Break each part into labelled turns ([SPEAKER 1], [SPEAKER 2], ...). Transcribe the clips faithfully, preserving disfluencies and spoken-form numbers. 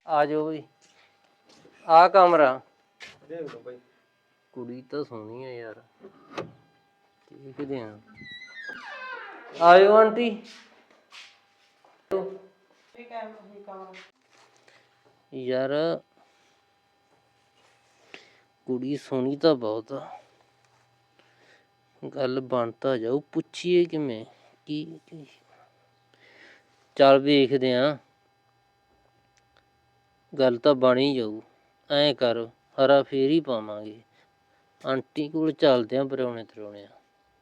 [SPEAKER 1] ਆ ਜਾਓ ਬਈ। ਆ ਕਮਰਾ
[SPEAKER 2] ਦੇਖ ਲਓ ਬਾਈ।
[SPEAKER 1] ਕੁੜੀ ਤਾਂ ਸੋਹਣੀ ਆ ਯਾਰ, ਦੇਖਦੇ ਆ। ਆਇਓ ਆਂਟੀ। ਯਾਰ ਕੁੜੀ ਸੋਹਣੀ ਤਾਂ ਬਹੁਤ ਆ, ਗੱਲ ਬਣ ਤਾਂ ਜਾਊ। ਪੁੱਛੀਏ ਕਿਵੇਂ ਕੀ, ਚੱਲ ਵੇਖਦੇ ਆ, ਗੱਲ ਤਾਂ ਬਣ ਹੀ ਜਾਊ। ਐਂ ਕਰ, ਹਰਾ ਫੇਰ ਹੀ ਪਾਵਾਂਗੇ। ਆਂਟੀ ਕੋਲ ਚੱਲਦੇ ਆ, ਪਰਾਉਣੇ ਤਰਾਉਣੇ ਆ।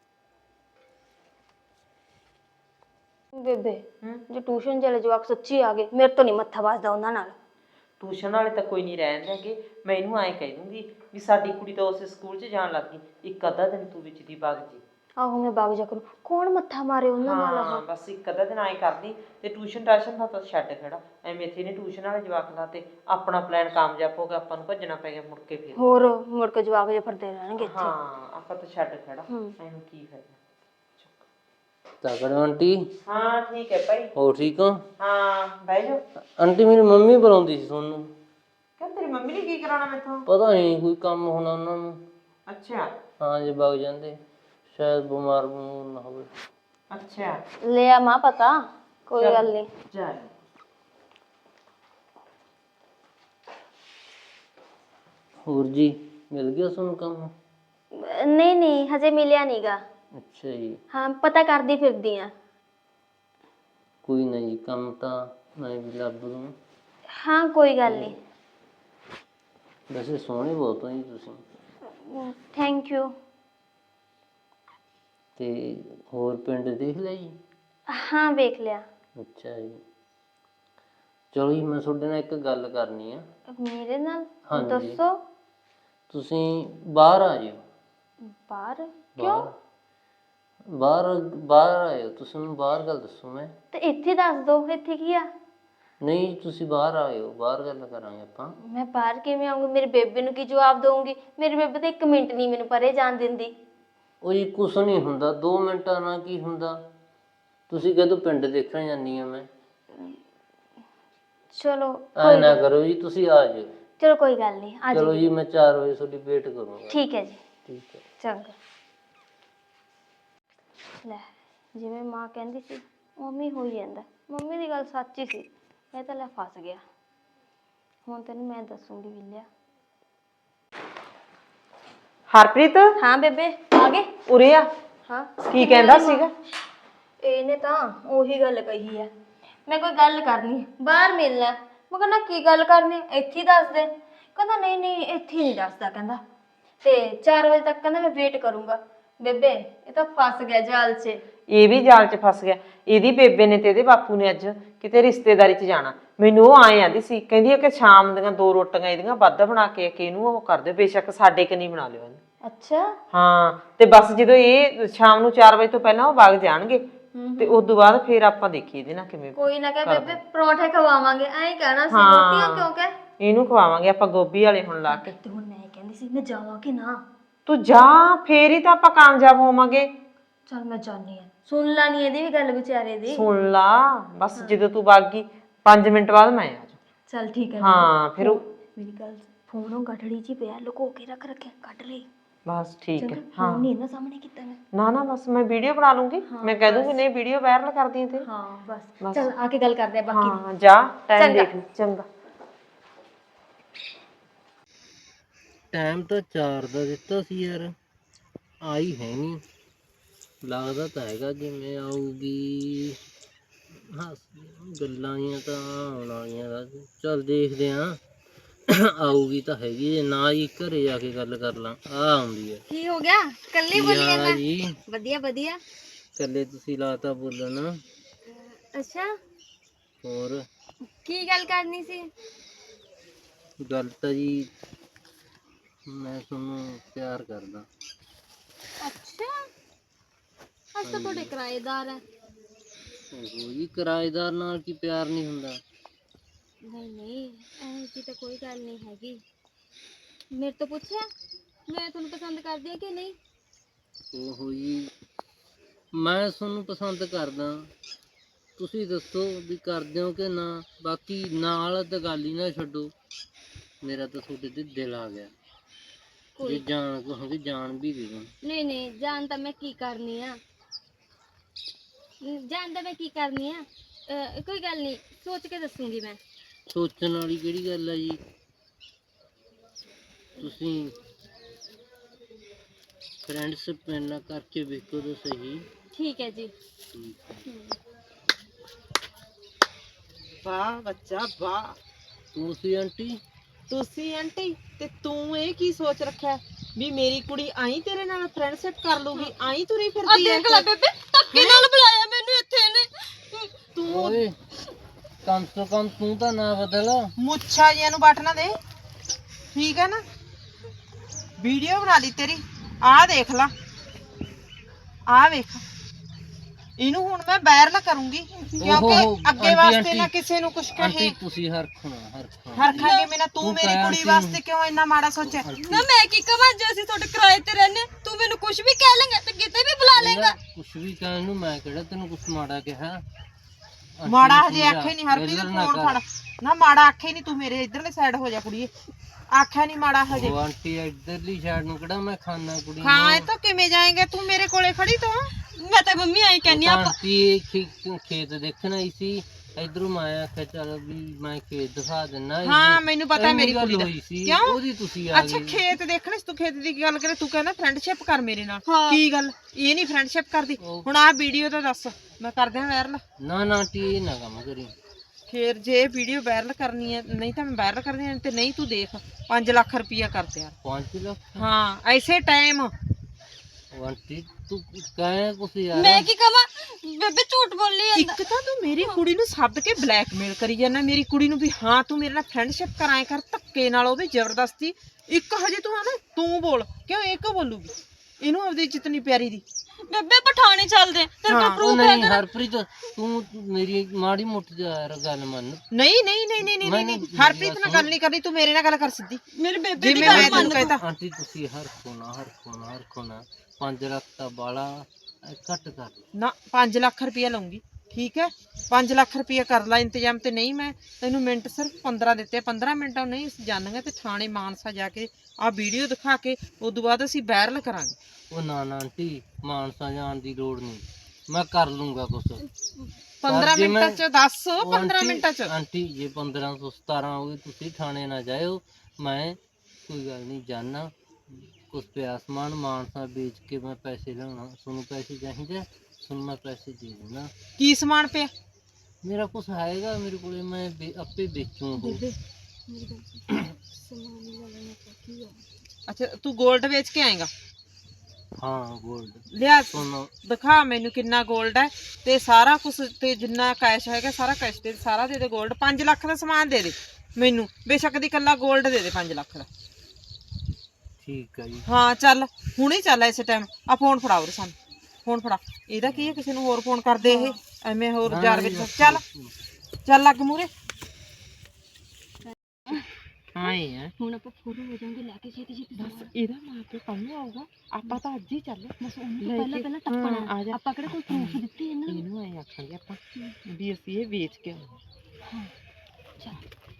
[SPEAKER 3] ਬੇਬੇ ਜੇ ਟਿਊਸ਼ਨ ਚਲੇ ਜਵਾਕ ਸੱਚੀ ਆ ਗਏ, ਮੇਰੇ ਤੋਂ ਨਹੀਂ ਮੱਥਾ ਵੱਜਦਾ ਉਹਨਾਂ ਨਾਲ।
[SPEAKER 4] ਟਿਊਸ਼ਨ ਵਾਲੇ ਤਾਂ ਕੋਈ ਨਹੀਂ ਰਹਿਣ ਦੇਗੇ। ਮੈਂ ਇਹਨੂੰ ਐਂ ਕਹਿ ਦੂੰਗੀ ਵੀ ਸਾਡੀ ਕੁੜੀ ਤਾਂ ਉਸੇ ਸਕੂਲ 'ਚ ਜਾਣ ਲੱਗ ਗਈ, ਇੱਕ ਅੱਧਾ ਦਿਨ ਤੂੰ ਵਿੱਚ ਦੀ ਵਗ ਜੀ।
[SPEAKER 3] ਆਹੋ ਮੈਂ ਵਗ ਜਾ ਕਰੂੰ, ਕੌਣ ਮੱਥਾ ਮਾਰੇ ਉਹਨਾਂ ਨਾਲ।
[SPEAKER 4] ਹਾਂ ਬਸ ਇੱਕ ਅੱਧਾ ਦਿਨ ਐਂ ਕਰਦੀ। ਤੇ ਟਿਊਸ਼ਨ ਟਾਸ਼ਨ ਦਾ ਤਾਂ ਛੱਡ ਖੜਾ, ਐਵੇਂ ਇੱਥੇ ਨੇ ਟਿਊਸ਼ਨ ਵਾਲੇ ਜਵਾਕ ਲਾ ਤੇ ਆਪਣਾ ਪਲਾਨ ਕਾਮਯਾਬ ਹੋ ਗਿਆ, ਆਪਾਂ ਨੂੰ ਭੱਜਣਾ ਪੈ ਗਿਆ ਮੁੜ ਕੇ ਫਿਰ।
[SPEAKER 3] ਹੋਰ ਮੁੜ ਕੇ ਜਵਾਕ ਜੇ ਫਿਰਦੇ ਰਹਿਣਗੇ ਇੱਥੇ।
[SPEAKER 4] ਹਾਂ ਆਪਾਂ ਤਾਂ ਛੱਡ ਖੜਾ, ਐਨੂੰ ਕੀ ਫਾਇਦਾ।
[SPEAKER 1] ਤਕੜਾ ਆਂਟੀ।
[SPEAKER 4] ਹਾਂ ਠੀਕ ਹੈ ਭਾਈ।
[SPEAKER 1] ਹੋਰ ਠੀਕ ਹੋ?
[SPEAKER 4] ਹਾਂ ਬਹਿ ਜਾਓ।
[SPEAKER 1] ਆਂਟੀ ਮੇਰੀ ਮੰਮੀ ਬੁਲਾਉਂਦੀ ਸੀ ਤੁਹਾਨੂੰ।
[SPEAKER 4] ਕਿਉਂ ਤੇਰੀ ਮੰਮੀ ਨੇ ਕੀ ਕਰਾਉਣਾ ਮੈਥੋਂ?
[SPEAKER 1] ਪਤਾ ਨਹੀਂ ਕੋਈ ਕੰਮ ਹੋਣਾ ਉਹਨਾਂ ਨੂੰ।
[SPEAKER 4] ਅੱਛਾ
[SPEAKER 1] ਹਾਂ ਜੇ ਵਗ ਜਾਂਦੇ, ਸ਼ਾਇਦ ਬਿਮਾਰ ਬਮੂਰ ਨਾ ਹੋਵੇ।
[SPEAKER 4] ਅੱਛਾ
[SPEAKER 3] ਲਿਆ ਮਾਂ ਪਤਾ, ਕੋਈ ਗੱਲ ਨਹੀਂ।
[SPEAKER 4] ਚੱਲ
[SPEAKER 1] ਹੋਰ ਜੀ ਮਿਲ ਗਿਆ ਤੁਹਾਨੂੰ ਕੰਮ?
[SPEAKER 3] ਨਹੀਂ ਨਹੀਂ ਹਜੇ ਮਿਲਿਆ ਨਹੀਂਗਾ।
[SPEAKER 1] ਅੱਛਾ ਜੀ।
[SPEAKER 3] ਹਾਂ ਪਤਾ ਕਰਦੀ ਫਿਰਦੀ ਆ।
[SPEAKER 1] ਕੋਈ ਨਾ ਜੀ, ਕੰਮ ਤਾਂ ਮੈਂ ਵੀ ਲੱਭ ਦੂੰ।
[SPEAKER 3] ਹਾਂ ਕੋਈ ਗੱਲ ਨਹੀਂ।
[SPEAKER 1] ਵੈਸੇ ਸੋਹਣੇ ਬਹੁਤ ਹੋ ਜੀ ਤੁਸੀਂ।
[SPEAKER 3] Thank you.
[SPEAKER 1] ਤੇ ਹੋਰ ਪਿੰਡ ਦੇਖ ਲਿਆ ਜੀ?
[SPEAKER 3] ਹਾਂ ਵੇਖ ਲਿਆ।
[SPEAKER 1] ਅੱਛਾ ਜੀ, ਚਲੋ ਜੀ ਮੈਂ ਤੁਹਾਡੇ ਨਾਲ ਇੱਕ ਗੱਲ ਕਰਨੀ ਆ।
[SPEAKER 3] ਮੇਰੇ ਨਾਲ?
[SPEAKER 1] ਹਾਂਜੀ।
[SPEAKER 3] ਦੱਸੋ।
[SPEAKER 1] ਤੁਸੀਂ ਬਾਹਰ ਆ ਜਾਓ।
[SPEAKER 3] ਬਾਹਰ? ਕਿਉਂ?
[SPEAKER 1] ਬਾਹਰ ਬਾਹਰ ਆਇਓ ਤੁਸੀਂ, ਮੈਨੂੰ ਬਾਹਰ ਗੱਲ ਦੱਸੋ। ਮੈਂ
[SPEAKER 3] ਤੇ ਇੱਥੇ ਦੱਸ ਦੋ, ਇੱਥੇ ਕੀ ਆ?
[SPEAKER 1] ਨਹੀਂ ਤੁਸੀਂ ਬਾਹਰ ਆਇਓ, ਬਾਹਰ ਗੱਲ ਕਰਾਂਗੇ ਆਪਾਂ।
[SPEAKER 3] ਮੈਂ ਬਾਹਰ ਕਿਵੇਂ ਆਉਂਗੀ? ਮੇਰੇ ਬੇਬੇ ਨੂੰ ਕੀ ਜਵਾਬ ਦਊਂਗੀ? ਮੇਰੀ ਬੇਬੇ ਤਾਂ ਇੱਕ ਮਿੰਟ ਨਹੀਂ ਮੈਨੂੰ ਪਰੇ ਜਾਣ ਦਿੰਦੀ।
[SPEAKER 1] ਉਹ ਜੀ ਕੁਛ ਨਹੀਂ ਹੁੰਦਾ, ਦੋ ਮਿੰਟਾਂ ਨਾਲ ਕੀ ਹੁੰਦਾ। ਤੁਸੀਂ ਕਦੋਂ ਪਿੰਡ ਦੇਖਣ ਜਾਂਦੀ ਆ। ਮੈਂ
[SPEAKER 3] ਚਲੋ
[SPEAKER 1] ਐ ਨਾ ਕਰੋ ਜੀ, ਤੁਸੀਂ ਆ ਜਾਓ।
[SPEAKER 3] ਚਲੋ ਕੋਈ ਗੱਲ ਨਹੀਂ, ਆ
[SPEAKER 1] ਚਲੋ
[SPEAKER 3] ਜਾਓ
[SPEAKER 1] ਜੀ, ਮੈਂ ਚਾਰ ਵਜੇ ਤੁਹਾਡੀ ਵੇਟ ਕਰੂੰਗਾ।
[SPEAKER 3] ਠੀਕ ਹੈ ਜੀ।
[SPEAKER 1] ਠੀਕ ਹੈ
[SPEAKER 3] ਚੰਗਾ। ਲੈ ਜਿਵੇਂ ਮਾਂ ਕਹਿੰਦੀ ਸੀ ਮੰਮੀ ਹੋ ਹੀ ਜਾਂਦਾ। ਮੰਮੀ ਦੀ ਗੱਲ ਸੱਚ ਹੀ ਸੀ। ਇਹ ਤਾਂ ਲੈ ਫਸ ਗਿਆ। ਹੁਣ ਤੈਨੂੰ ਮੈਂ ਦੱਸੂਗੀ ਵਿਲਿਆ।
[SPEAKER 4] ਹਰਪ੍ਰੀਤ
[SPEAKER 3] ਹਾਂ ਬੇਬੇ ਆ ਗਏ?
[SPEAKER 4] ਉਰੇ ਆ।
[SPEAKER 3] ਹਾਂ
[SPEAKER 4] ਕੀ ਕਹਿੰਦਾ ਸੀਗਾ?
[SPEAKER 3] ਇਹਨੇ ਤਾਂ ਉਹੀ ਗੱਲ ਕਹੀ ਆ, ਮੈਂ ਕੋਈ ਗੱਲ ਕਰਨੀ ਬਾਹਰ ਮਿਲਣਾ। ਮੈਂ ਕਹਿੰਦਾ ਕੀ ਗੱਲ ਕਰਨੀ, ਇੱਥੇ ਹੀ ਦੱਸ ਦੇ। ਕਹਿੰਦਾ ਨਹੀਂ ਨਹੀਂ ਇੱਥੇ ਨਹੀਂ ਦੱਸਦਾ। ਕਹਿੰਦਾ ਤੇ ਚਾਰ ਵਜੇ ਤੱਕ ਕਹਿੰਦਾ ਮੈਂ ਵੇਟ ਕਰੂੰਗਾ। ਬੇਬੇ ਇਹ ਤਾਂ ਫਸ ਗਿਆ ਜਾਲ 'ਚ।
[SPEAKER 4] ਇਹ ਵੀ ਜਾਲ 'ਚ ਫਸ ਗਿਆ। ਇਹਦੀ ਬੇਬੇ ਨੇ ਤੇ ਇਹਦੇ ਬਾਪੂ ਨੇ ਅੱਜ ਕਿਤੇ ਰਿਸ਼ਤੇਦਾਰੀ 'ਚ ਜਾਣਾ। ਮੈਨੂੰ ਉਹ ਆਏ ਆਂਦੀ ਸੀ, ਕਹਿੰਦੀ ਆ ਕਿ ਸ਼ਾਮ ਦੀਆਂ ਦੋ ਰੋਟੀਆਂ ਇਹਦੀਆਂ ਵੱਧ ਬਣਾ ਕੇ ਕਿ ਇਹਨੂੰ ਉਹ ਕਰ ਦਿਓ, ਬੇਸ਼ੱਕ ਸਾਡੇ ਕਨੀ ਬਣਾ ਲਿਓ ਇਹਨੂੰ।
[SPEAKER 3] ਅੱਛਾ
[SPEAKER 4] ਹਾਂ ਤੇ ਬਸ ਜਦੋਂ ਇਹ ਸ਼ਾਮ ਨੂੰ ਚਾਰ ਵਜੇ ਤੋਂ ਪਹਿਲਾਂ ਉਹ ਵਗ ਜਾਣਗੇ ਤੇ ਉਸ ਤੋਂ ਬਾਅਦ ਫਿਰ ਆਪਾਂ ਦੇਖੀਏ ਇਹਦੇ ਨਾਲ ਕਿਵੇਂ।
[SPEAKER 3] ਕੋਈ ਨਾ ਕਹਿ ਬੇਬੇ ਪਰੌਂਠੇ ਖਵਾਵਾਂਗੇ, ਐਂ ਕਹਿਣਾ ਸੀ। ਰੋਟੀਆਂ ਕਿਉਂ ਕਹਿ?
[SPEAKER 4] ਇਹਨੂੰ ਖਵਾਵਾਂਗੇ ਆਪਾਂ ਗੋਭੀ ਵਾਲੇ ਹੁਣ ਲਾ ਕੇ।
[SPEAKER 3] ਤੇ ਹੁਣ ਮੈਂ ਕਹਿੰਦੀ ਸੀ ਮੈਂ ਜਾਵਾਂ ਕਿ ਨਾ?
[SPEAKER 4] ਤੂੰ ਜਾ, ਫੇਰ ਹੀ ਤਾਂ ਆਪਾਂ ਕਾਮਯਾਬ ਹੋਵਾਂਗੇ।
[SPEAKER 3] ਚਲ ਮੈਂ ਜਾਣੀ ਆ। ਸੁਣ ਲਾ ਨੀ ਇਹਦੀ ਵੀ ਗੱਲ ਵਿਚਾਰੇ ਦੀ।
[SPEAKER 4] ਸੁਣ ਲਾ ਬਸ, ਜਦੋਂ ਤੂੰ ਵਗ ਗਈ ਪੰਜ ਮਿੰਟ ਬਾਅਦ ਮੈਂ ਆ ਜਾ।
[SPEAKER 3] ਚਲ ਠੀਕ ਹੈ।
[SPEAKER 4] ਹਾਂ ਫਿਰ
[SPEAKER 3] ਮੇਰੀ ਗੱਲ, ਫੋਨ ਉਹ ਗਠੜੀ 'ਚ ਪਿਆ, ਲੁਕੋ ਕੇ ਰੱਖ ਰੱਖਿਆ, ਕੱਢ ਲਈ।
[SPEAKER 4] ਬਸ ਠੀਕ ਹੈ।
[SPEAKER 3] ਹਾਂ ਨਹੀਂ ਇਹਨਾਂ ਸਾਹਮਣੇ ਕੀਤਾ ਮੈਂ।
[SPEAKER 4] ਨਾ ਨਾ ਬਸ ਮੈਂ ਵੀਡੀਓ ਬਣਾ ਲੂੰਗੀ। ਮੈਂ ਕਹਿ ਦੂੰਗੀ ਨਹੀਂ ਵੀਡੀਓ ਵਾਇਰਲ ਕਰਦੀ ਤੇ।
[SPEAKER 3] ਹਾਂ ਬਸ ਚਲ ਆ ਕੇ ਗੱਲ ਕਰਦੇ ਆ ਬਾਕੀ ਦੀ।
[SPEAKER 4] ਹਾਂ ਜਾ, ਟਾਈਮ ਦੇਖ ਲਈ। ਚੰਗਾ।
[SPEAKER 1] ਟਾਈਮ ਤਾਂ ਚਾਰ ਦਾ ਦਿੱਤਾ ਸੀ ਯਾਰ, ਆਈ ਹੈ ਨਹੀਂ। ਲੱਗਦਾ ਤਾਂ ਹੈਗਾ ਜਿਵੇਂ ਆਊਗੀ। ਹਾਂ ਗੱਲਾਂ ਦੀਆਂ ਤਾਂ ਆਉਣ ਵਾਲੀਆਂ। ਚੱਲ ਦੇਖਦੇ ਹਾਂ, ਆਊਗੀ ਤਾਂ ਹੈਗੀ। ਜੇ ਨਾ ਹੀ ਘਰੇ ਜਾ ਕੇ ਗੱਲ ਕਰ ਲਾਂ। ਆ ਆਉਂਦੀ ਹੈ।
[SPEAKER 3] ਕੀ ਹੋ ਗਿਆ? ਕੱਲੀ ਬੋਲੀ ਜਾਂਦਾ
[SPEAKER 1] ਜੀ?
[SPEAKER 3] ਵਧੀਆ ਵਧੀਆ।
[SPEAKER 1] ਕੱਲੇ ਤੁਸੀਂ ਲਾਤਾ ਬੋਲਣ।
[SPEAKER 3] ਅੱਛਾ
[SPEAKER 1] ਹੋਰ
[SPEAKER 3] ਕੀ ਗੱਲ ਕਰਨੀ ਸੀ?
[SPEAKER 1] ਗੱਲ ਤਾਂ ਜੀ ਮੈਂ ਤੁਹਾਨੂੰ ਪਿਆਰ ਕਰਦਾ।
[SPEAKER 3] ਅੱਛਾ ਅਸੀਂ ਤਾਂ ਤੁਹਾਡੇ ਕਿਰਾਏਦਾਰ ਆ।
[SPEAKER 1] ਉਹ ਜੀ ਕਿਰਾਏਦਾਰ ਨਾਲ ਕੀ ਪਿਆਰ ਨਹੀਂ ਹੁੰਦਾ?
[SPEAKER 3] ਨਹੀਂ ਨਹੀਂ ਇਹੋ ਜਿਹੀ ਤਾਂ ਕੋਈ ਗੱਲ ਨਹੀਂ ਹੈਗੀ। ਮੇਰੇ ਤੋਂ ਪੁੱਛਿਆ ਮੈਂ ਤੁਹਾਨੂੰ ਪਸੰਦ ਕਰਦੀ ਆ ਕਿ ਨਹੀਂ?
[SPEAKER 1] ਉਹ ਜੀ ਮੈਂ ਤੁਹਾਨੂੰ ਪਸੰਦ ਕਰਦਾ, ਤੁਸੀਂ ਦੱਸੋ ਵੀ ਕਰਦੇ ਹੋ ਕਿ ਨਾ। ਬਾਕੀ ਨਾਲ ਤਾਂ ਗੱਲ ਹੀ ਨਾ ਛੱਡੋ, ਮੇਰਾ ਤਾਂ ਤੁਹਾਡੇ ਤੇ ਦਿਲ ਆ ਗਿਆ। ਜੇ ਜਾਣ ਕਹੋਗੇ ਜਾਣ ਵੀ ਦੇ ਦੋ।
[SPEAKER 3] ਨਹੀਂ ਨਹੀਂ, ਜਾਣ ਤਾਂ ਮੈਂ ਕੀ ਕਰਨੀ ਆ, ਜਾਣ ਤਾਂ ਮੈਂ ਕੀ ਕਰਨੀ ਆ। ਅਹ, ਕੋਈ ਗੱਲ ਨਹੀਂ, ਸੋਚ ਕੇ ਦੱਸੂਗੀ ਮੈਂ।
[SPEAKER 1] ਸੋਚਣ ਵਾਲੀ ਕਿਹੜੀ ਗੱਲ ਹੈ ਜੀ। ਤੁਸੀਂ ਫਰੈਂਡਸ਼ਿਪ ਨਾਲ ਕਰਕੇ ਵੇਖੋ ਤਾਂ ਸਹੀ।
[SPEAKER 3] ਠੀਕ ਹੈ ਜੀ।
[SPEAKER 1] ਠੀਕ ਹੈ।
[SPEAKER 4] ਵਾਹ ਬੱਚਾ ਵਾਹ।
[SPEAKER 1] ਤੁਸੀਂ ਆਂਟੀ
[SPEAKER 4] ਤੁਸੀਂ ਆਂਟੀ ਤੇ ਤੂੰ ਇਹ ਕੀ ਸੋਚ ਰੱਖਿਆ ਵੀ ਮੇਰੀ ਕੁੜੀ ਆਈ ਤੇਰੇ ਨਾਲ ਫਰੈਂਡਸ਼ਿਪ ਕਰ ਲੂਗੀ, ਆਈ ਤੁਰੀ ਫਿਰਦੀ ਹੈ।
[SPEAKER 3] ਦੇਖ ਲੈ ਬੇਬੇ, ਧੱਕੇ ਨਾਲ ਬੁਲਾਇਆ ਮੈਨੂੰ ਇੱਥੇ ਇਹਨੇ।
[SPEAKER 4] ਤੂੰ
[SPEAKER 1] ਓਏ ਕਮ ਤੋਂ ਕਮ ਤੂੰ ਤਾਂ ਨਾ ਬਦਲ।
[SPEAKER 4] ਮੁੱਛਾਂ ਜਿਹੀਆਂ ਨੂੰ ਵੱਟ ਨਾ ਦੇ, ਠੀਕ ਹੈ ਨਾ। ਵੀਡੀਓ ਬਣਾ ਲਈ ਤੇਰੀ, ਆਹ ਦੇਖ ਲਾ, ਆਹ ਵੇਖ। ਇਹਨੂੰ ਹੁਣ ਮੈਂ ਵਾਇਰਲ ਕਰੂੰਗੀ ਕਿਉਂਕਿ ਅੱਗੇ ਵਾਸਤੇ ਨਾ ਕਿਸੇ ਨੂੰ ਕੁਝ ਕਹੇ।
[SPEAKER 1] ਆਂਟੀ ਤੁਸੀਂ ਹਰਖਣਾ ਹਰਖਣਾ
[SPEAKER 4] ਹਰਖਾਂਗੇ ਮੈਂ ਨਾ। ਤੂੰ ਮੇਰੀ ਕੁੜੀ ਵਾਸਤੇ ਕਿਉਂ ਇੰਨਾ ਮਾੜਾ ਸੋਚਿਆ?
[SPEAKER 3] ਨਾ ਮੈਂ ਕੀ ਕਹਾਂ, ਜੇ ਅਸੀਂ ਤੁਹਾਡੇ ਕਿਰਾਏ ਤੇ ਰਹਿੰਦੇ, ਤੂੰ ਮੈਨੂੰ ਕੁਝ ਵੀ ਕਹਿ ਲੇਂਗਾ ਤੇ ਕਿਤੇ ਵੀ ਬੁਲਾ ਲੇਂਗਾ।
[SPEAKER 1] ਕੁਛ ਵੀ ਕਹਿਣ ਨੂੰ ਮੈਂ ਕਿਹੜਾ ਤੈਨੂੰ ਕੁਛ ਮਾੜਾ ਕਿਹਾ। ਆਂਟੀ
[SPEAKER 4] ਮਾੜਾ
[SPEAKER 1] ਨੂੰ
[SPEAKER 4] ਹਜੇ
[SPEAKER 1] ਸਮਝਾ,
[SPEAKER 4] ਆਖੇ ਨਹੀਂ ਹਰਪ੍ਰੀਤ,
[SPEAKER 1] ਵਿਹਲੜ ਨਾ
[SPEAKER 4] ਫੋਨ
[SPEAKER 1] ਕਰ।
[SPEAKER 4] ਫੜ ਨਾ। ਮਾੜਾ ਆਖੇ ਨਹੀਂ, ਤੂੰ ਮੇਰੇ ਇਧਰਲੇ ਸਾਈਡ ਹੋ ਜਾ ਕੁੜੀਏ। ਆਖਿਆ ਨਹੀਂ ਮਾੜਾ ਹਜੇ।
[SPEAKER 1] ਉਹ ਆਂਟੀ ਇੱਧਰਲੀ ਸਾਈਡ ਨੂੰ ਕਿਹੜਾ ਮੈਂ ਖਾਣਾ ਕੁੜੀ ਨੂੰ।
[SPEAKER 4] ਹਾਂ, ਇਹ ਤਾਂ ਕਿਵੇਂ ਜਾਏਗਾ ਤੂੰ ਮੇਰੇ ਕੋਲੇ ਖੜੀ ਤੂੰ?
[SPEAKER 3] ਮੈਂ ਤਾਂ ਮੰਮੀ ਆਈ ਕਹਿੰਨੀ ਆ।
[SPEAKER 1] ਆਂਟੀ ਖੇ- ਖੇਤ ਦੇਖਣ ਆਈ ਸੀ ਇਧਰੋਂ। ਮੈਂ ਆਖਿਆ ਚੱਲ ਵੀ ਮੈਂ ਖੇਤ ਦਿਖਾ ਦਿੰਨਾ।
[SPEAKER 4] ਹਾਂ ਮੈਨੂੰ ਪਤਾ ਮੇਰੀ
[SPEAKER 1] ਗੱਲ
[SPEAKER 4] ਕੁੜੀ ਦਾ।
[SPEAKER 1] ਹੋਈ ਸੀ,
[SPEAKER 4] ਕਿਉਂ?
[SPEAKER 1] ਉਹਦੀ ਤੁਸੀਂ ਆ
[SPEAKER 4] ਅੱਛਾ
[SPEAKER 1] ਗਏ।
[SPEAKER 4] ਖੇਤ ਦੇਖਣੇ ਸੀ, ਤੂੰ ਖੇਤ ਦੀ ਗੱਲ ਕਰੇ, ਤੂੰ ਕਹਿੰਦਾ ਫਰੈਂਡਸ਼ਿਪ ਕਰ ਮੇਰੇ ਨਾਲ।
[SPEAKER 3] ਹਾਂ।
[SPEAKER 4] ਕੀ ਗੱਲ, ਇਹ ਨਹੀਂ ਫਰੈਂਡਸ਼ਿਪ ਕਰਦੀ?
[SPEAKER 1] ਉਹ-
[SPEAKER 4] ਹੁਣ ਆਹ ਵੀਡੀਓ ਤਾਂ ਦੱਸ, ਮੈਂ ਕਰਦੇ ਆ ਵਾਇਰਲ।
[SPEAKER 1] ਨਾ ਨਾ ਆਂਟੀ ਇਹ ਨਾ ਕੰਮ ਕਰੀ।
[SPEAKER 4] ਫੇਰ ਜੇ ਵੀਡੀਓ ਵਾਇਰਲ ਕਰਨੀ ਹੈ, ਨਹੀਂ ਤਾਂ ਮੈਂ ਵਾਇਰਲ ਕਰਦੀ ਹਾਂ, ਤੇ ਨਹੀਂ ਤੂੰ ਦੇਖ ਪੰਜ ਲੱਖ ਰੁਪਈਆ ਕਰ ਤਿਆਰ।
[SPEAKER 1] ਪੰਜ ਲੱਖ?
[SPEAKER 4] ਹਾਂ ਐਸੇ ਟਾਈਮ।
[SPEAKER 1] ਉਹ ਆਂਟੀ ਤੂੰ ਕਹਿ ਕੁਛ ਯਾਰ।
[SPEAKER 3] ਮੈਂ ਕੀ ਕਹਾਂ, ਬੇਬੇ ਝੂਠ ਬੋਲੀ
[SPEAKER 4] ਇੱਕ ਤਾਂ ਤੂੰ ਮੇਰੀ ਕੁੜੀ ਨੂੰ ਸੱਦ ਕੇ ਬਲੈਕਮੇਲ ਕਰੀ ਜਾਂਦਾ, ਮੇਰੀ ਕੁੜੀ ਨੂੰ ਵੀ ਹਾਂ ਤੂੰ ਮੇਰੇ ਨਾਲ ਫਰੈਂਡਸ਼ਿਪ ਕਰਾਏ ਕਰ, ਧੱਕੇ ਨਾਲ ਉਹਦੇ ਜ਼ਬਰਦਸਤੀ। ਇੱਕ ਹਜੇ ਤੂੰ ਆਣਾ ਤੂੰ ਬੋਲ, ਕਿਉਂ ਇਹ ਕਿਉਂ ਬੋਲੂਗੀ? ਇਹਨੂੰ ਆਪਦੀ ਇੱਜ਼ਤ ਨਹੀਂ ਪਿਆਰੀ ਦੀ।
[SPEAKER 3] ਬੇਬੇ ਪਠਾਣੇ ਚੱਲਦੇ, ਤੇਰੇ ਕੋਲ
[SPEAKER 1] ਉਹ
[SPEAKER 3] ਪ੍ਰੂਫ
[SPEAKER 1] ਨਹੀਂ
[SPEAKER 3] ਹੈਗਾ?
[SPEAKER 1] ਹਰਪ੍ਰੀਤ ਤੂੰ ਮੇਰੀ ਮਾੜੀ ਮੋਟੀ ਯਾਰ ਗੱਲ ਮੰਨ।
[SPEAKER 4] ਨਹੀਂ ਨਹੀਂ ਨਹੀਂ ਨਹੀਂ ਨਹੀਂ ਨਹੀਂ ਹਰਪ੍ਰੀਤ ਨਾਲ ਗੱਲ ਨਹੀਂ ਕਰਨੀ, ਤੂੰ ਮੇਰੇ ਨਾਲ ਗੱਲ ਕਰ ਸਿੱਧੀ।
[SPEAKER 3] ਮੇਰੇ ਬੇਬੇ ਦੀ
[SPEAKER 4] ਜਿਵੇਂ
[SPEAKER 3] ਗੱਲ
[SPEAKER 4] ਮੈਂ ਤੈਨੂੰ
[SPEAKER 3] ਮੰਨ।
[SPEAKER 4] ਕਹਿਤਾ।
[SPEAKER 1] ਆਂਟੀ ਤੁਸੀਂ ਹਰ ਕੋਨਾ ਹਰ ਕੋਨਾ ਹਰ ਕੋਨਾ ਪੰਜ ਲੱਖ ਦਾ ਬਾਲਾ ਘੱਟ ਕਰ।
[SPEAKER 4] ਨਾ ਪੰਜ ਲੱਖ ਰੁਪਇਆ ਲਊਂਗੀ, ਠੀਕ ਹੈ। ਪੰਜ ਲੱਖ ਰੁਪਇਆ ਕਰ ਲੈ ਇੰਤਜ਼ਾਮ। ਤੇ ਨਹੀਂ ਮੈਂ ਤੈਨੂੰ ਮਿੰਟ ਸਿਰਫ ਪੰਦਰਾਂ ਦਿੱਤੇ, ਪੰਦਰਾਂ ਮਿੰਟਾਂ ਨਹੀਂ ਅਸੀਂ ਜਾਣਾਂਗੇ ਤੇ ਥਾਣੇ ਮਾਨਸਾ ਜਾ ਕੇ ਆਹ ਵੀਡੀਓ ਦਿਖਾ ਕੇ ਉਦੋਂ ਬਾਅਦ ਅਸੀਂ ਵਾਇਰਲ ਕਰਾਂਗੇ।
[SPEAKER 1] ਉਹ ਨਾ ਨਾ ਆਂਟੀ ਮਾਨਸਾ ਜਾਣ ਦੀ ਲੋੜ ਨਹੀਂ, ਮੈਂ ਕਰ ਲੂੰਗਾ ਕੁਛ।
[SPEAKER 4] ਪੰਦਰਾਂ
[SPEAKER 1] ਜੇ ਮੈਂ-
[SPEAKER 4] ਮਿੰਟਾਂ ਚ ਦੱਸ,
[SPEAKER 1] ਉਹ
[SPEAKER 4] ਪੰਦਰਾਂ
[SPEAKER 1] ਆਂਟੀ-
[SPEAKER 4] ਮਿੰਟਾਂ ਚ।
[SPEAKER 1] ਆਂਟੀ ਜੇ ਪੰਦਰਾਂ ਸੌ ਸਤਾਰਾਂ ਹੋ ਗਏ ਤੁਸੀਂ ਥਾਣੇ ਨਾ ਜਾਇਓ। ਮੈਂ ਕੋਈ ਗੱਲ ਨਹੀਂ ਜਾਣਾ, ਕੁਛ ਪਿਆ ਸਮਾਨ ਮਾਨਸਾ ਵੇਚ ਕੇ ਮੈਂ ਪੈਸੇ ਲਿਆਉਣਾ। ਤੁਹਾਨੂੰ ਪੈਸੇ ਚਾਹੀਦੇ? ਤੁਹਾਨੂੰ ਮੈਂ ਪੈਸੇ ਦੇ ਦੇਣਾ।
[SPEAKER 4] ਕੀ ਸਮਾਨ ਪਿਆ?
[SPEAKER 1] ਮੇਰਾ ਕੁਛ ਹੈਗਾ ਮੇਰੇ ਕੋਲੇ, ਮੈਂ ਵੇ- ਆਪੇ ਵੇਚੂ ਉਹ।
[SPEAKER 4] ਅੱਛਾ ਤੂੰ 골ਡ ਵੇਚ ਕੇ ਆਏਗਾ?
[SPEAKER 1] ਹਾਂ ਗੋਲਡ
[SPEAKER 4] ਲਿਆ
[SPEAKER 1] ਸੋਨਾ।
[SPEAKER 4] ਦਿਖਾ ਮੈਨੂੰ ਕਿੰਨਾ 골ਡ ਹੈ ਤੇ ਸਾਰਾ ਕੁਝ, ਤੇ ਜਿੰਨਾ ਕੈਸ਼ ਹੈਗਾ ਸਾਰਾ ਕੈਸ਼ ਦੇ, ਸਾਰਾ ਦੇ ਦੇ 골ਡ। ਪੰਜ ਲੱਖ ਦਾ ਸਮਾਨ ਦੇ ਦੇ ਮੈਨੂੰ, ਬੇਸ਼ੱਕ ਦੀ ਕੱਲਾ 골ਡ ਦੇ ਦੇ ਪੰਜ ਲੱਖ ਦਾ।
[SPEAKER 1] ਠੀਕ ਹੈ ਜੀ।
[SPEAKER 4] ਹਾਂ ਚੱਲ ਹੁਣੇ ਚੱਲ ਇਸ ਟਾਈਮ। ਆ ਫੋਨ ਫੜਾ ਉਰੇ ਸਾਨੂੰ, ਫੋਨ ਫੜਾ। ਇਹਦਾ ਕੀ ਹੈ, ਕਿਸੇ ਨੂੰ ਹੋਰ ਫੋਨ ਕਰਦੇ ਇਹ ਐਵੇਂ ਹੋਰ
[SPEAKER 1] ਨਾ
[SPEAKER 4] ਯਾਰ
[SPEAKER 1] ਜੀ,
[SPEAKER 4] ਵਿੱਚ।
[SPEAKER 1] ਬਸ-
[SPEAKER 4] ਚੱਲ ਚੱਲ ਲੱਗ ਮੂਰੇ। ਹਾਂ ਇਹ ਹੈ
[SPEAKER 3] ਹੁਣ ਆਪਾਂ ਫੋਟੋ ਹੋ ਜਾਵਾਂਗੇ, ਲੈ ਕੇ ਛੇਤੀ ਛੇਤੀ
[SPEAKER 4] ਬਸ। ਇਹਦਾ ਮਾਂ ਪਿਓ ਕੱਲ ਨੂੰ ਆਊਗਾ, ਆਪਾਂ ਤਾਂ ਅੱਜ ਹੀ ਚੱਲ।
[SPEAKER 3] ਬਸ ਉਹਨੂੰ
[SPEAKER 4] ਲੈ
[SPEAKER 3] ਪਹਿਲਾਂ
[SPEAKER 4] ਕੇ-
[SPEAKER 3] ਪਹਿਲਾਂ
[SPEAKER 4] ਹਾਂ,
[SPEAKER 3] ਟੱਪਣਾ।
[SPEAKER 4] ਆ ਜਾ।
[SPEAKER 3] ਆਪਾਂ ਕਿਹੜਾ ਕੋਈ ਪ੍ਰੂਫ ਦਿੱਤੇ ਇਹਨਾਂ ਨੂੰ?
[SPEAKER 4] ਇਹਨੂੰ ਐ ਆਖਾਂਗੇ ਆਪਾਂ ਵੀ ਅਸੀਂ ਇਹ ਵੇਚ ਕੇ ਆਉਂਦੇ।
[SPEAKER 3] ਚੱਲ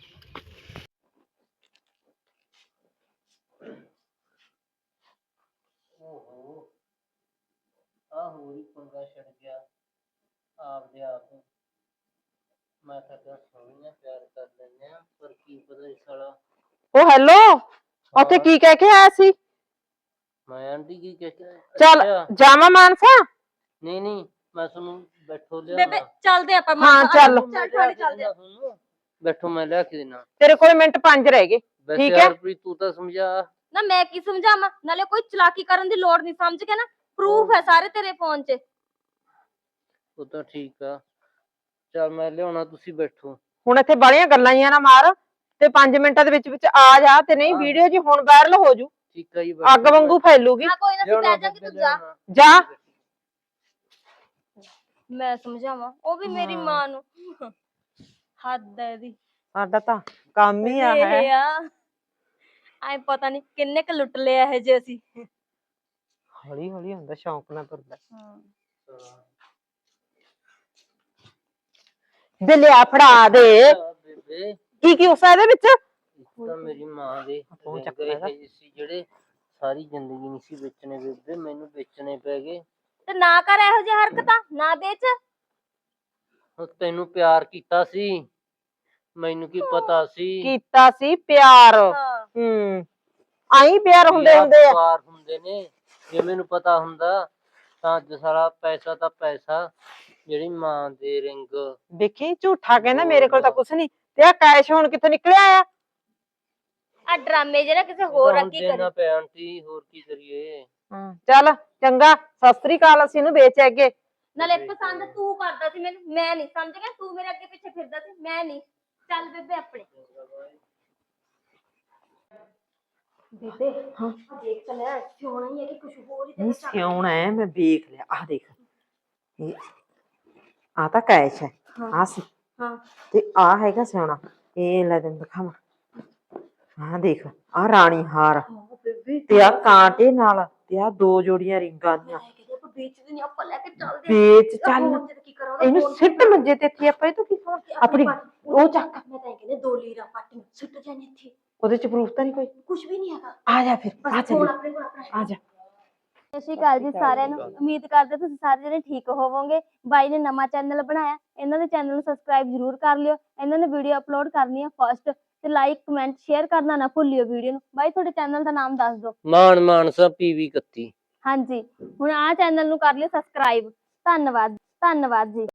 [SPEAKER 1] ਓਹੋ ਆ ਹੋਰ ਹੀ ਪੰਗਾ ਛੱਡ ਗਿਆ ਆਪਦੇ ਆਪ। ਮੈਂ ਤਾਂ ਕਿਹਾ ਸੋਹਣੀਆਂ ਪਿਆਰ ਕਰ ਲੈਂਦੇ ਆ, ਪਰ ਕੀ ਪਤਾ ਇਸ ਸਾਲਾ।
[SPEAKER 4] ਉਹ ਹੈਲੋ, ਉੱਥੇ ਕੀ ਕਹਿ ਕੇ ਆਇਆ ਸੀ?
[SPEAKER 1] ਮੈਂ ਆਂਟੀ ਕੀ ਕਹਿ ਕੇ
[SPEAKER 4] ਚੱਲ
[SPEAKER 1] ਅੱਛਾ,
[SPEAKER 4] ਜਾਵਾਂ ਮਾਨਸਾ?
[SPEAKER 1] ਨਹੀਂ ਨਹੀਂ ਮੈਂ ਤੁਹਾਨੂੰ ਬੈਠੋ
[SPEAKER 3] ਬੇਬੇ
[SPEAKER 1] ਲਿਆ।
[SPEAKER 3] ਚੱਲਦੇ ਆਪਾਂ।
[SPEAKER 4] ਹਾਂ ਚੱਲ,
[SPEAKER 3] ਚੱਲ ਥਾਣੇ ਚੱਲਦੇ ਆ।
[SPEAKER 1] ਬੈਠੋ ਮੈਂ ਲਿਆ ਕੇ ਦੇਣਾ।
[SPEAKER 4] ਤੇਰੇ ਕੋਲ ਮਿੰਟ ਪੰਜ ਰਹਿ ਗਏ,
[SPEAKER 1] ਵੈਸੇ
[SPEAKER 4] ਠੀਕ ਹੈ।
[SPEAKER 1] ਹਰਪ੍ਰੀਤ ਤੂੰ ਤਾਂ ਸਮਝਾ।
[SPEAKER 3] ਨਾ ਮੈਂ ਕੀ ਸਮਝਾਵਾਂ, ਨਾਲੇ ਕੋਈ ਚਲਾਕੀ ਕਰਨ ਦੀ ਲੋੜ ਨਹੀਂ, ਸਮਝ ਕੇ ਨਾ। ਪ੍ਰੂਫ ਹੈ ਸਾਰੇ ਤੇਰੇ ਫੋਨ 'ਚ।
[SPEAKER 1] ਉਹ ਤਾਂ ਠੀਕ ਆ, ਚੱਲ ਮੈਂ ਲਿਆਉਣਾ, ਤੁਸੀਂ ਬੈਠੋ।
[SPEAKER 4] ਹੁਣ ਇੱਥੇ ਬਾਲੀਆਂ ਗੱਲਾਂ ਹੀ ਨਾ ਮਾਰ, ਤੇ ਪੰਜ ਮਿੰਟਾਂ ਦੇ ਵਿੱਚ ਵਿੱਚ ਆ ਜਾ, ਤੇ ਨਹੀਂ ਵੀਡੀਓ ਜੀ ਹੁਣ ਵਾਇਰਲ ਹੋ ਜੂ,
[SPEAKER 1] ਠੀਕ ਆ ਜੀ।
[SPEAKER 4] ਅੱਗ ਵਾਂਗੂ ਫੈਲੂਗੀ।
[SPEAKER 3] ਹਾਂ ਕੋਈ ਨਾ, ਅਸੀਂ ਬਹਿ ਜਾਾਂਗੇ, ਤੂੰ ਜਾ।
[SPEAKER 4] ਜਾ
[SPEAKER 3] ਮੈਂ ਸਮਝਾਵਾਂ, ਉਹ ਵੀ ਮੇਰੀ ਮਾਂ ਨੂੰ। ਹੱਦ ਹੈ ਇਹਦੀ।
[SPEAKER 4] ਸਾਡਾ ਤਾਂ ਕੰਮ ਹੀ ਆ ਹੈ।
[SPEAKER 3] ਇਹ ਆ ਐ ਪਤਾ ਨਹੀਂ ਕਿੰਨੇ ਕ ਲੁੱਟ ਲਿਆ ਇਹ ਜੇ ਅਸੀਂ।
[SPEAKER 4] ਹੌਲੀ ਹੌਲੀ ਹੁੰਦਾ, ਸ਼ੌਂਕ ਨਾਲ ਤੁਰਦਾ।
[SPEAKER 3] ਹਾਂ
[SPEAKER 4] ਦੇ ਲਿਆ ਫੜਾ ਦੇ
[SPEAKER 1] ਆ ਬੇਬੇ
[SPEAKER 4] ਕੀ ਕੀ ਉਸ ਇਹਦੇ ਵਿੱਚ
[SPEAKER 1] ਇੱਕ ਤਾਂ ਮੇਰੀ ਮਾਂ ਦੇ
[SPEAKER 4] ਫੋਨ ਚੱਕ
[SPEAKER 1] ਰਿੰਗ
[SPEAKER 4] ਲੈਗਾ।
[SPEAKER 1] ਇਹ ਸੀ ਜਿਹੜੇ ਸਾਰੀ ਜ਼ਿੰਦਗੀ ਨਹੀਂ ਸੀ ਵੇਚਣੇ ਬੇਬੇ, ਮੈਨੂੰ ਵੇਚਣੇ ਪੈ ਗਏ।
[SPEAKER 3] ਤੇ ਨਾ ਕਰ ਇਹੋ ਜਿਹੀ ਹਰਕਤਾਂ, ਨਾ ਵੇਚ।
[SPEAKER 1] ਹੁਣ ਤੈਨੂੰ ਪਿਆਰ ਕੀਤਾ ਸੀ, ਮੈਨੂੰ ਕੀ ਪਤਾ ਸੀ
[SPEAKER 4] ਕੀਤਾ ਸੀ ਪਿਆਰ।
[SPEAKER 3] ਹਾਂ
[SPEAKER 4] ਹੂੰ ਆਈ ਪਿਆਰ ਹੁੰਦੇ
[SPEAKER 1] ਯਾਰ
[SPEAKER 4] ਹੁੰਦੇ ਆ।
[SPEAKER 1] ਪਿਆਰ ਹੁੰਦੇ ਨੇ। ਜੇ ਮੈਨੂੰ ਪਤਾ ਹੁੰਦਾ ਤਾਂ ਅੱਜ ਸਾਰਾ ਪੈਸਾ ਤਾਂ ਪੈਸਾ, ਜਿਹੜੀ ਮਾਂ ਦੇ ਰਿੰਗ
[SPEAKER 4] ਦੇਖੀ ਝੂਠਾ ਕਹਿੰਦਾ ਮੇਰੇ ਕੋਲ ਤਾਂ ਕੁਛ ਨਹੀਂ, ਤੇ ਆ ਕੈਸ਼ ਹੁਣ ਕਿੱਥੋਂ ਨਿਕਲਿਆ ਆ?
[SPEAKER 3] ਆ ਡਰਾਮੇ ਜਿਹੜਾ ਕਿਸੇ ਹੋਰ ਅੱਗੇ
[SPEAKER 1] ਦੇਣਾ
[SPEAKER 3] ਕਰੀ।
[SPEAKER 1] ਪਿਆ ਆਂਟੀ, ਹੋਰ ਕੀ ਕਰੀਏ।
[SPEAKER 4] ਹਾਂ ਚੱਲ ਚੰਗਾ, ਸਤਿ ਸ੍ਰੀ ਅਕਾਲ, ਅਸੀਂ ਇਹਨੂੰ ਵੇਚ ਅੱਗੇ।
[SPEAKER 3] ਨਾਲੇ ਪਸੰਦ ਤੂੰ ਕਰਦਾ ਸੀ ਮੈਨੂੰ, ਮੈਂ ਨਹੀਂ। ਸਮਝ ਗਿਆ, ਤੂੰ ਮੇਰੇ ਅੱਗੇ ਪਿੱਛੇ ਫਿਰਦਾ ਸੀ, ਮੈਂ ਨਹੀਂ। ਚੱਲ ਬੇਬੇ ਆਪਣੇ। ਬੇਬੇ ਹਾਂ ਦੇਖ ਤਾਂ ਲੈ, ਸੋਹਣਾ ਹੀ ਹੈ ਕਿ ਕੁਝ ਹੋਰ ਹੀ
[SPEAKER 4] ਨਹੀਂ
[SPEAKER 3] ਤੇਰਾ
[SPEAKER 4] ਸਿਉਣਾ ਹੈ, ਮੈਂ ਵੇਖ ਲਿਆ। ਆਹ ਦੇਖ, ਇਹ ਆ ਤਾਂ ਕੈਸ਼ ਹੈ, ਆ ਸੀ,
[SPEAKER 3] ਹਾਂ
[SPEAKER 4] ਤੇ ਆ ਹੈਗਾ ਸਿਉਣਾ। ਇਹ ਲੈ ਤੈਨੂੰ ਦਿਖਾਵਾਂ, ਆਹ ਦੇਖ, ਆ ਰਾਣੀ ਹਾਰ
[SPEAKER 3] ਬੇਬੇ
[SPEAKER 4] ਤੇ ਆ ਕਾਂਟੇ ਨਾਲ, ਤੇ ਆ ਦੋ ਜੋੜੀਆਂ ਰਿੰਗਾਂ ਦੀਆਂ।
[SPEAKER 3] ਆਪਾਂ ਵੇਚਦੇ ਨਹੀਂ, ਆਪਾਂ ਲੈ ਕੇ ਚੱਲਦੇ
[SPEAKER 4] ਵੇਚ ਚੱਲ,
[SPEAKER 3] ਫੋਨ ਤੇ ਕੀ ਕਰਾਂ ਉਹਦਾ?
[SPEAKER 4] ਇਹਨੂੰ
[SPEAKER 3] ਫੋਨ
[SPEAKER 4] ਸਿੱਟ ਮੰਜੇ ਤੇ ਇੱਥੇ, ਆਪਾਂ ਇਹ ਤੋਂ ਕੀ ਖਾਣਾ? ਆਪਣੀ ਉਹ ਚੱਕ,
[SPEAKER 3] ਮੈਂ ਤਾਂ ਇਹ ਕਹਿੰਦੇ ਦੋ ਲੀਰਾ ਪਾਟੀਆਂ ਸੁੱਟ ਜਾਣੀ ਇੱਥੇ,
[SPEAKER 4] ਉਹਦੇ ਚ ਪ੍ਰੂਫ ਤਾਂ ਨਹੀਂ ਕੋਈ?
[SPEAKER 3] ਕੁਝ ਵੀ ਨਹੀਂ ਹੈਗਾ।
[SPEAKER 4] ਆ ਜਾ ਫਿਰ, ਆ
[SPEAKER 3] ਬਸ ਫੋਨ
[SPEAKER 4] ਚੱਲ,
[SPEAKER 3] ਆਪਣੇ ਕੋਲ ਆਪਣਾ
[SPEAKER 4] ਆ ਜਾ।
[SPEAKER 3] ਸਤਿ ਸ਼੍ਰੀ ਅਕਾਲ ਜੀ ਸਾਰਿਆਂ ਨੂੰ। ਉਮੀਦ ਕਰਦੇ ਤੁਸੀਂ ਸਾਰੇ ਜਣੇ ਠੀਕ ਹੋਵੋਗੇ। ਬਾਈ ਨੇ ਨਵਾਂ ਚੈਨਲ ਬਣਾਇਆ, ਇਹਨਾਂ ਦੇ ਚੈਨਲ ਨੂੰ ਸਬਸਕ੍ਰਾਈਬ ਜ਼ਰੂਰ ਕਰ ਲਿਓ। ਇਹਨਾਂ ਨੇ ਵੀਡੀਓ ਅਪਲੋਡ ਕਰਨੀ ਹੈ ਫਸਟ, ਤੇ ਲਾਈਕ ਕਮੈਂਟ ਸ਼ੇਅਰ ਕਰਨਾ ਨਾ ਭੁੱਲਿਓ ਵੀਡੀਓ ਨੂੰ। ਬਾਈ ਤੁਹਾਡੇ ਚੈਨਲ ਦਾ ਨਾਮ ਦੱਸ ਦਿਓ।
[SPEAKER 1] ਮਾਨ ਮਾਨਸਾ ਪੀਵੀ ਇਕੱਤੀ।
[SPEAKER 3] ਹਾਂਜੀ ਹੁਣ ਆਹ ਚੈਨਲ ਨੂੰ ਕਰ ਲਿਓ ਸਬਸਕ੍ਰਾਈਬ। ਧੰਨਵਾਦ ਧੰਨਵਾਦ ਜੀ।